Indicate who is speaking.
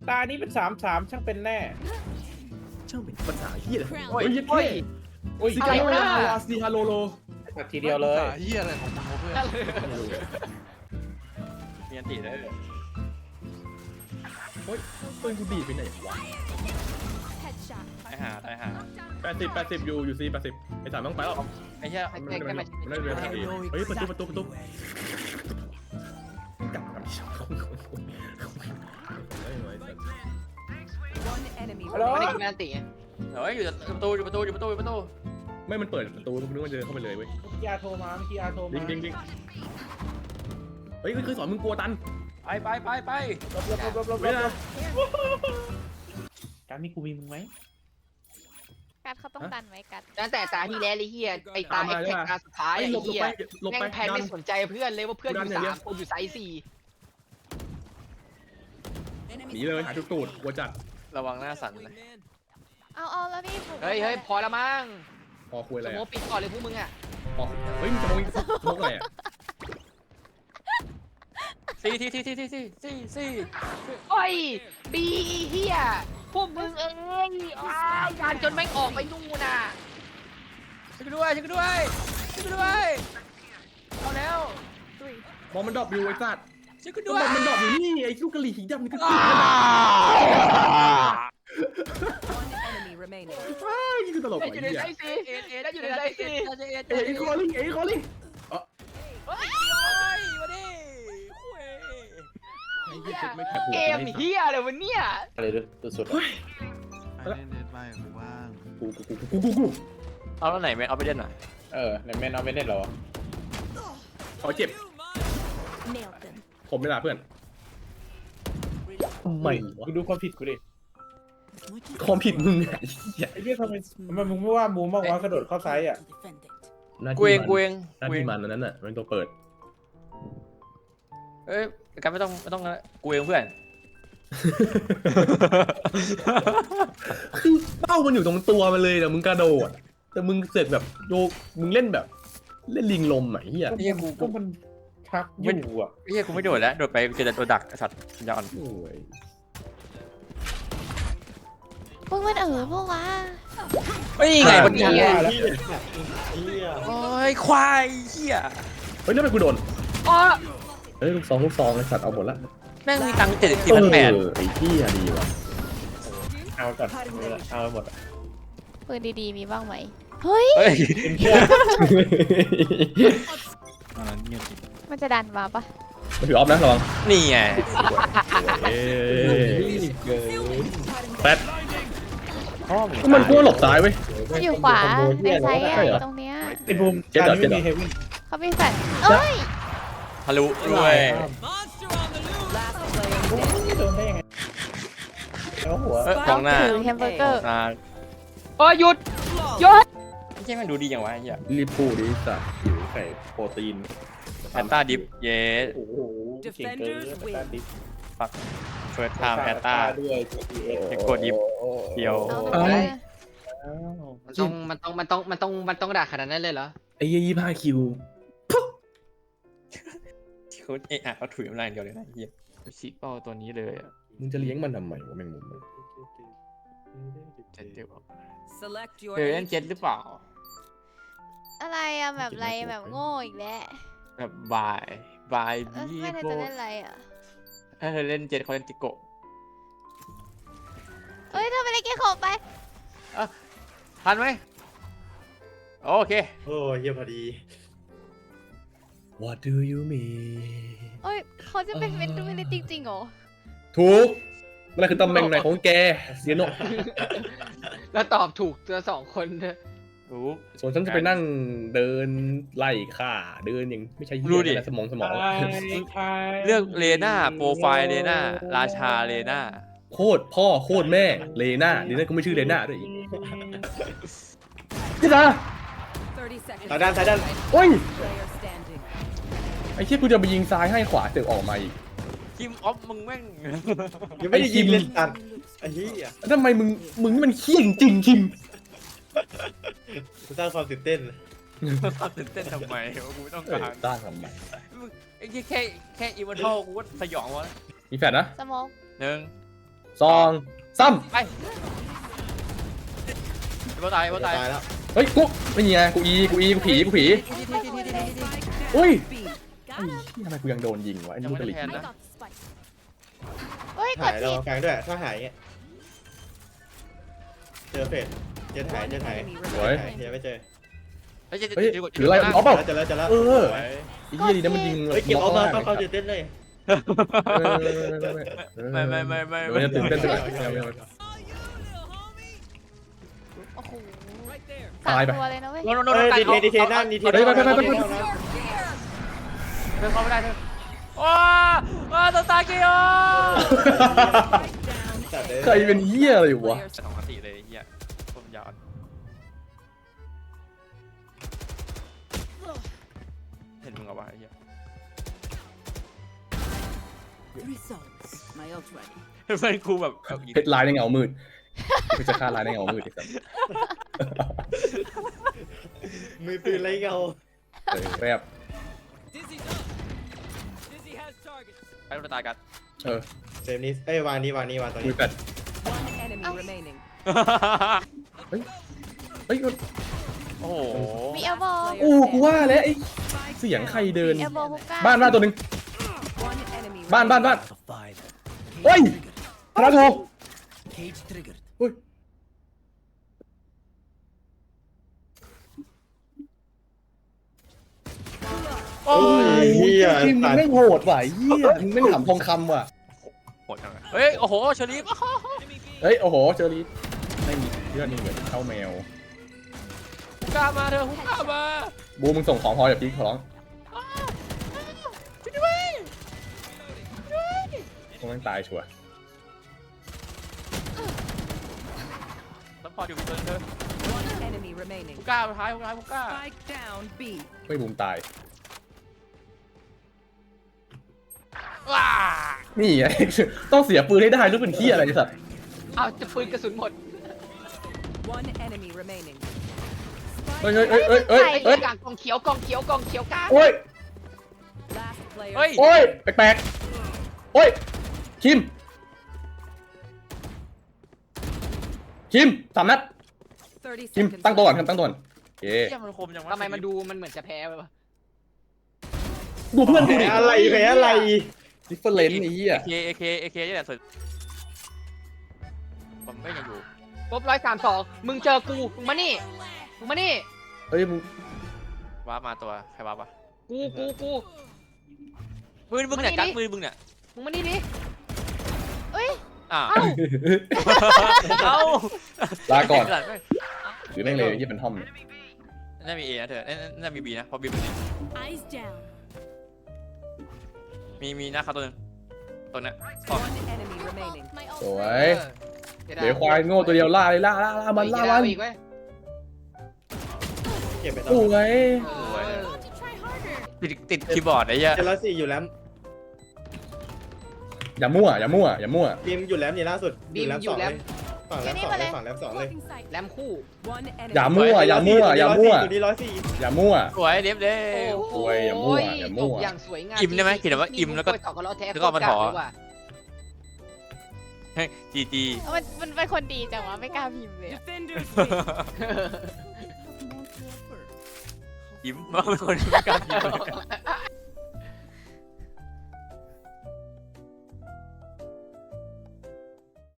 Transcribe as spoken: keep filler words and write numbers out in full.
Speaker 1: ตานี้เป็นสามสามช่างเป็นแน่
Speaker 2: ช่างเป็นภาษาเฮียเลยโอ้ย
Speaker 3: โอ้ย
Speaker 1: โอ้ย
Speaker 2: ซิกาโลลาวาซีฮาโลโล
Speaker 1: ตัดทีเดียวเลย
Speaker 4: เฮียอะไรของมึงเพื่อน
Speaker 3: มีอันตีได้
Speaker 2: โอ้ยปืนกูดีดไปไหนวะ
Speaker 3: ตายหาตายหา
Speaker 2: แปดสิบแปดสิบอยู่อยู่ซีแปดสิบไอ้สามต้องไปแล้ว
Speaker 3: ไอ้เหี้ย
Speaker 2: มันไม่ได้มันไม่ได้เรียนทางดีเฮ้ยประตูประตูประตูกลับกับช่องเขา
Speaker 1: ฮัลโหล
Speaker 5: ไม่ได้กินอันตี
Speaker 3: เฮ้ยอยู่ประตูอยู่ประตูอยู่ประตูอยู่ประตู
Speaker 2: ไม่มันเปิดประตูนึกว่าเดินเข้าไปเลยเว้ย
Speaker 1: พี่อาโทรมาพี่อาโทรมา
Speaker 2: ดิงดิงดิงเฮ้ยคือสอนมึงกลัวตัน
Speaker 3: ไปไปไปไป
Speaker 1: ลบลบลบลบลบ
Speaker 2: ไม่ได้
Speaker 1: การมีกูมีมึงไหม
Speaker 6: กัดเขาต้องดันไว้กัด
Speaker 5: ตั้งแต่ตาที่แล้วเลยเฮียไอตาไอแท็กตาสุดท้าย
Speaker 2: ไอ้
Speaker 5: ไอ
Speaker 2: หลบหลบ
Speaker 5: เฮีย
Speaker 2: ไปหลบ
Speaker 5: แม่
Speaker 2: ไป
Speaker 5: งแพน
Speaker 2: ดั
Speaker 5: ไม่
Speaker 2: น
Speaker 5: สนใจเพื่อนเลยว่าเพื่อนอยู่สามคนอยู่ไซส์สี่
Speaker 2: หนีเลยหาจุดตูดกลัวจัด
Speaker 3: ระวังหน้าสั่นเลย
Speaker 6: เอาเอาแล้วนี่ผม
Speaker 5: เฮ้ยเฮ้ยพอละมั้ง
Speaker 2: พอคุยอะไร
Speaker 5: สโม
Speaker 2: อ่ะ
Speaker 5: ปิดก่อนเลยพวกมึงอ่ะ
Speaker 2: พอเฮ้ยมึงจะมองสมองอะไรอ่ะ
Speaker 3: สี่ที่ที่ที่ที่ที่ที่ที่
Speaker 5: โอ้ยบีเฮียพวกมึงเอ้ยอ้าวงานจนแม่งออกไปนู่นน่ะ
Speaker 3: ช่วยกูด้วยช่วยกูด้วยช่วยกูด้วยเอาแล้ว
Speaker 2: มองมันดรอปอยู่ไอ้สัตว์
Speaker 3: ช่วยกู
Speaker 2: ก็
Speaker 3: ด้ว
Speaker 2: บ
Speaker 3: ย
Speaker 2: อกมันดรอปอยู่นี่ไอ้ลูกกะหรี่สีดำนี่ก็ตีนี่คือตลก
Speaker 5: ได้
Speaker 2: ไอ้
Speaker 5: อยู่ใน
Speaker 2: เหี้ย
Speaker 5: ไซส์สี่
Speaker 3: เอ็ดเอ็ด
Speaker 5: ได้อยู่ในไซส์สี่
Speaker 3: เอ็ด
Speaker 2: เอ้ยคอลลิ่งเอ้ยคอลลิ่ง
Speaker 3: โอ้ยมาดิคุย
Speaker 2: ไอ้เหี้ยไม่แคบหัว
Speaker 5: เกมเฮียเลยวะเนี่ย
Speaker 1: อะไรดูสุด
Speaker 4: ไปเล่นเน็ตบ้างกูบ้าง
Speaker 2: กูกูกูกูกูกู
Speaker 3: เอาแล้วไหนไม่เอาไปเล่นหน่อย
Speaker 1: เออในแมนเอาไปเล่นเหรอ
Speaker 2: ขอเจ็บผมไม่ลาเพื่อนทำไมวะ
Speaker 1: กูดูความผิดกูดิ
Speaker 2: ความผิดมึงไงเหี้ย
Speaker 1: ไอ้เหี้ยทำไมทำไมมึงไม่ว่ามูมบ้างวะกระโดดเข้าไซส์อ่ะ
Speaker 3: กูเองกูเอง
Speaker 2: หน้า
Speaker 3: กูเอ
Speaker 2: ที่
Speaker 3: ง
Speaker 2: มันอันนั้นน่ะมันตัวเปิด
Speaker 3: เอ้ยกันไม่ต้องไม่ต้องกูเองเพื่อน
Speaker 2: คือเป้ามันอยู่ตรงตัวมันเลยแต่มึงกระโดดแต่มึงเสร็จแบบโยกมึงเล่นแบบเล่นลิงลมไหมเฮีย
Speaker 3: เฮียกู
Speaker 1: ก็
Speaker 3: กู
Speaker 1: มันชักอยู่อ่ะ
Speaker 3: เฮียกูไม่โดดแล้วโดดไปเจอแต่ตัวดักไอ้สัตว์ยอน
Speaker 2: โอ้ย
Speaker 6: พวกมันเออพวกวะ
Speaker 3: เฮ้ยไงมัน
Speaker 5: เฮีย
Speaker 3: โอ้ยควายเฮีย
Speaker 2: เฮ้ยแล้วทำไมกูโดน
Speaker 5: อ๋อ
Speaker 2: เฮ้ยลูกซองลูกซองไอ้สัตว์เอาหมดละ
Speaker 3: แม่งมีตังค์เจ็ดสี่พันแปด
Speaker 2: เออไอ้เหี้ยดีว่ะ
Speaker 1: เอาก่อนเอาหมด
Speaker 6: ปืนดีๆมีบ้างไหมเฮ้ย
Speaker 3: เฮ้ย
Speaker 4: ตอนนั้นเงียบจริง
Speaker 6: มันจะดันมาปะ
Speaker 2: มาถือออฟนะระวัง
Speaker 3: นี่ไง
Speaker 2: เอ้ย
Speaker 1: เกิน
Speaker 2: แป๊ด
Speaker 1: พ่อ
Speaker 2: ก็มันกลัวหลบซ้ายเว้ย
Speaker 6: มันอยู่ขวาในไซส์
Speaker 2: ใช่เหรอ
Speaker 6: อะตรงเนี้ย
Speaker 1: ไอ้บูม
Speaker 2: เจ็ด
Speaker 1: การ
Speaker 2: เหรอ
Speaker 1: นี้
Speaker 2: เจ็ดเหรอ
Speaker 1: มีเฮฟวี่
Speaker 6: เขามีแฟลชเอ้ย
Speaker 3: ทะลุด้วย
Speaker 1: โดนได้ยังไงแล้วหัว
Speaker 3: เอ้ยกองหน้า
Speaker 6: ถือแฮมเบอร์เกอร์
Speaker 3: อ่า
Speaker 5: โอ้ยหยุดหยุด
Speaker 3: ไม่ใช่มันดูดีอย่างวะไอ้เฮีย
Speaker 2: รีบพูดดิสัตว์หิวไข่โปรตีน
Speaker 3: แอตตาดิฟเยส
Speaker 1: โอ้โหเก่งเกินการดิฟ
Speaker 3: ฟักเฟิร์สไทม์แอตตา
Speaker 1: ด้วย
Speaker 3: เด็กกดดิฟเดียว
Speaker 6: เอาเลย
Speaker 5: มันต้องมันต้องมันต้องมันต้องมันต้องด่าขนาดนั้นเลยเหรอ
Speaker 2: ไอ้ยี่ยี่ห้าคิว
Speaker 3: เขาเอะอะเขาถุยน้ำลายอย่างเดียวเลยนะไอ้เฮียชิเป้าตัวนี้เลยอะ
Speaker 2: มึงจะเลี้ยงมันทำไมวะแมงมุม
Speaker 3: เจ็ดเดียว
Speaker 7: Select your
Speaker 3: เคยเล่นเจ็ดหรือเปล่า
Speaker 6: อะไรอะแบบอะไรแบบโง่อีกแล้ว
Speaker 3: แบบบายบาย
Speaker 6: เอ้ย
Speaker 3: บี
Speaker 6: ไม่ได้
Speaker 3: โบ
Speaker 6: จะเล่นอะไรอะ
Speaker 3: ถ้าเธอเล่นเจ็ดเขาเล่นติโกะ
Speaker 6: เอ้ยเธอไปเล่นเกมขอบไป
Speaker 3: ทันไหมโอเค
Speaker 1: โอ้ยเยี่ยมพอดี
Speaker 2: What do you mean
Speaker 6: เอ้ยเขาจะเป็นเมนดูไม่ได้จริงๆเหรอ
Speaker 2: ถูกนั่นคือตำแหน่งไหนของแกเสียโน
Speaker 5: แล้วตอบถูกตัวสองคนเนอะ
Speaker 3: รู้
Speaker 2: ส่วนฉันจะไปนั่งเดินไล่ข่าเดินอย่างไม่ใช่เหี้ยอะไรสมองสมอง
Speaker 3: เลือกเลน่าโปรไฟล์เลน่าราชาเลน่า
Speaker 2: โคตรพ่อโคตรแม่เลน่าเลน่าก็ไม่ชื่อเลน่าด้วยอีกนี่นะ
Speaker 7: thirty seconds.
Speaker 1: สายด้านสายด้าน
Speaker 2: โอ้ย
Speaker 7: Player standing.
Speaker 2: ไอ้เชี่ยกูจะไปยิงซ้ายให้ขวาเสือกออกมาอีก
Speaker 3: ทีมออฟมึงแม่ง
Speaker 1: ยังไม่ได้ยิงเล่นตัดไอ้เหี้ย
Speaker 2: ทำไมมึงมึงนี่มันเขี้ยจริงคิม
Speaker 1: สร้างความตื่นเต้น
Speaker 3: ตื่นเต้นทำไมวะกูไม่ต้อง
Speaker 2: เออ
Speaker 3: การ
Speaker 2: ต้านทำไม
Speaker 3: ไอ้แค่แค่อีเวนทัลกูก็สยองวะ
Speaker 2: มีแฟดนะ
Speaker 6: สมอง
Speaker 3: หนึ่ง
Speaker 2: สองสาม
Speaker 3: ไปไอ้บอลตายไอ้บอลตาย
Speaker 1: ตายแล้ว
Speaker 2: เฮ้ยกูไม่มีไงกูอีกูอีกูผีกูผีอุ้ยไอ้เหี้ยทำไมกูยังโดนยิงวะไอ้
Speaker 3: ยัง
Speaker 2: ลูก
Speaker 3: ไม่
Speaker 2: กระ
Speaker 3: ได้
Speaker 2: หลิก
Speaker 3: แทนนะ
Speaker 6: เฮ้ยก
Speaker 1: หา
Speaker 6: ด
Speaker 1: ยเรา
Speaker 6: ผิด
Speaker 1: แฟงด้วยถ้าหายเงี้ยเจอเฟดเจอหายเจอหาย
Speaker 2: สวย
Speaker 1: หายเจอไม่เจอ
Speaker 3: เฮ้ยจะ
Speaker 2: เฮ้ย
Speaker 3: จะ
Speaker 2: ถืออะไรเอาเปล่า
Speaker 1: เจอแล้วเจอแล้ว
Speaker 2: เออ
Speaker 1: สวย
Speaker 2: ไอ้เหี้ยดีนะมันยิง
Speaker 1: เฮ้ยเก็บเอา
Speaker 2: ล็
Speaker 1: มา
Speaker 2: ล่
Speaker 1: เข้าง เข้าตื่นเต้นเลย
Speaker 3: ไม่ไม่ไม่ไม่
Speaker 2: เดี๋ยวจะตื่นเต้นด้วย
Speaker 6: โอ้โห
Speaker 2: ตายไป
Speaker 6: สามตัวเลยนะเว้ย
Speaker 3: โดนโดนโด
Speaker 1: เฮ้
Speaker 3: น
Speaker 1: ย
Speaker 3: ไก่
Speaker 1: ดีเทดีเทนั่นดีเท
Speaker 2: ไปไปไปไปไป
Speaker 3: เธอเข้าไม่ได้เธอว้าว้าตัวตาเกียว
Speaker 1: จัดเลย
Speaker 2: ใครเป็นเหี้ยอะไรวะ
Speaker 3: สองนาทีเลยเฮียผมยาวเห็นมึงเอาวะไอ้เฮีย
Speaker 7: Results. My ult ready.
Speaker 3: เพื่อนกูแบบ
Speaker 2: เพชรลายในเงามืดกูจะฆ่าลายในเงามืดอีกสัก
Speaker 1: มือปืนไรเงา
Speaker 2: เออแรบ
Speaker 3: ไปตัวตายกัน
Speaker 2: เออ
Speaker 1: เซฟนี้เอ้ยวางนี้วางนี้วางตรง
Speaker 2: มื
Speaker 1: นี้
Speaker 2: อแปด
Speaker 7: One enemy remaining.
Speaker 2: เฮ้ย
Speaker 3: โอ้โห
Speaker 6: มีเอลโบ
Speaker 2: โอ้กูว่าแล้วไอ้เสียงใครเดิน
Speaker 6: เอลโบฮุกก้า
Speaker 2: บ้านบ้านตัวหนึ่ง
Speaker 7: One enemy.
Speaker 2: บ้านบ้านบ้าน
Speaker 8: Five.
Speaker 2: เฮ้ยพระโท
Speaker 8: Cage triggered.
Speaker 2: เฮ้ยโอ้ย
Speaker 1: เฮีย
Speaker 2: ทีมมึง
Speaker 1: ตัด
Speaker 2: ไม่โหดว่ะเฮียมึงไม่ถามทองคำว่ะ
Speaker 3: โหดจังเลยเฮ้ยโอ้โหเชอรี่
Speaker 2: เฮ้ยโอ้โหเจอรีไม่มีเลือดนี่เหมือนเข้าแมว
Speaker 3: ฮุกก้ามาเธอฮุกก้ามา
Speaker 2: บูมึงส่งของพออย่าพีคขอร้องคงต้องตายชัวร์
Speaker 3: แล้วพออยู่เธอเธอ
Speaker 7: One enemy remaining.
Speaker 3: ฮุกก้าท้ายฮุกก้าฮุกก้า
Speaker 7: Spike down B.
Speaker 2: ไม่บูมตาย
Speaker 3: ว้า
Speaker 2: นี่ไง ต้องเสียปืนให้ได้รู้เป็นที่อะไรสัตว์
Speaker 5: เอาจะปืนกระสุนหมด
Speaker 7: One enemy remaining.
Speaker 2: เฮ้ยเฮ้ยเฮ้ยเฮ้ยเฮ้ย
Speaker 5: ไอ้
Speaker 2: เฮ้ย
Speaker 5: กลางกองเขียวกองเขียวกองเขียวกลาง
Speaker 2: โอ้ย
Speaker 7: Last player.
Speaker 3: เฮ้ย
Speaker 2: โอ้ยแปลกๆโอ้ยคิมคิมสามนัด
Speaker 7: Thirty
Speaker 2: คิม
Speaker 7: seconds.
Speaker 2: ตั้งตัวก่อน
Speaker 7: left.
Speaker 2: คิมตั้งตัวก่อนเย้
Speaker 3: เฮียมันคมจังวะ
Speaker 5: ทำไมมันดูมันเหมือนจะแพ้ไปวะ
Speaker 2: ดูเพื่อนกู
Speaker 1: แผล
Speaker 2: ดิ
Speaker 1: อะไรแผลอะไร
Speaker 2: ดิฟเฟอร์เรนซ์ไอ้เหี้ย
Speaker 3: เอเคเอเคเอเคนี่แหละสุดผมก็ยังอยู่
Speaker 5: ลบร้อยสามสองมึงเจอกูมึงมานี่มึงมานี่
Speaker 2: เฮ้ยมึง
Speaker 3: ว้ามาตัวใครว้าปะ
Speaker 5: กูกูกู
Speaker 3: ปืนมึงเนี่ยกัดปืนมึงเนี่ย
Speaker 5: มึงมานี่ดิ
Speaker 6: เอ้ย
Speaker 3: อ้าว
Speaker 6: เอ้า
Speaker 3: เอ้า
Speaker 2: ลาก่อน
Speaker 3: หลัง
Speaker 2: หรือแม่งเลยยี่เป็นทอมเนี่ย
Speaker 3: น่ามีเอนะเธอน่ามีบีนะเพราะบีมันนี่
Speaker 7: Eyes down.
Speaker 3: มีมีหน้าเขาตัวนึงตัวนี้
Speaker 7: One enemy remaining.
Speaker 2: สวย เดี๋ยวควายโง่ตัวเดียวล่าเลยล่าล่าล่ามันล่ามัน
Speaker 5: อีกเว้ย
Speaker 1: เก็บไป
Speaker 2: ส
Speaker 1: ต่อ
Speaker 2: วย
Speaker 3: สวยติดติดคีย์บอร์ดไอ้เหี้ย
Speaker 1: เจอแล้วสี่อยู่แล้ว
Speaker 2: อย่ามั่วอย่ามั่วอย่ามั่ว
Speaker 1: บีมอยู่แล้วนี่ล่าสุดอยู่แล้วสองเลยฝั่งแล้วสองเลยฝั่งแล้วสองเลย
Speaker 5: แรมคู่
Speaker 7: One enemy.
Speaker 2: อย่ามั่วอย่ามั่วอย่ามั่ว
Speaker 1: ตัวนี้ร้อยสี่
Speaker 2: อย่ามั่ว
Speaker 3: สวยเด็บเด้
Speaker 2: โอ้ยอย่ามั่วอย่ามั่ว
Speaker 5: จบอย่างสวยงาม
Speaker 3: อิ่มได้ไหมเขียนว่าอิ่มแล้วก็
Speaker 5: ต่อกันล้อแท้
Speaker 3: แล้วก็เอามาถอ
Speaker 5: โคตรกล้เลยว่ะ
Speaker 3: จีจี
Speaker 6: มันมันเป็นคนดีจังวะไม่กล้าพิมพ์เลยอะ
Speaker 7: Defenders win.
Speaker 3: ยิ้มว่าเป็นคนที่ไม่กล้ากิน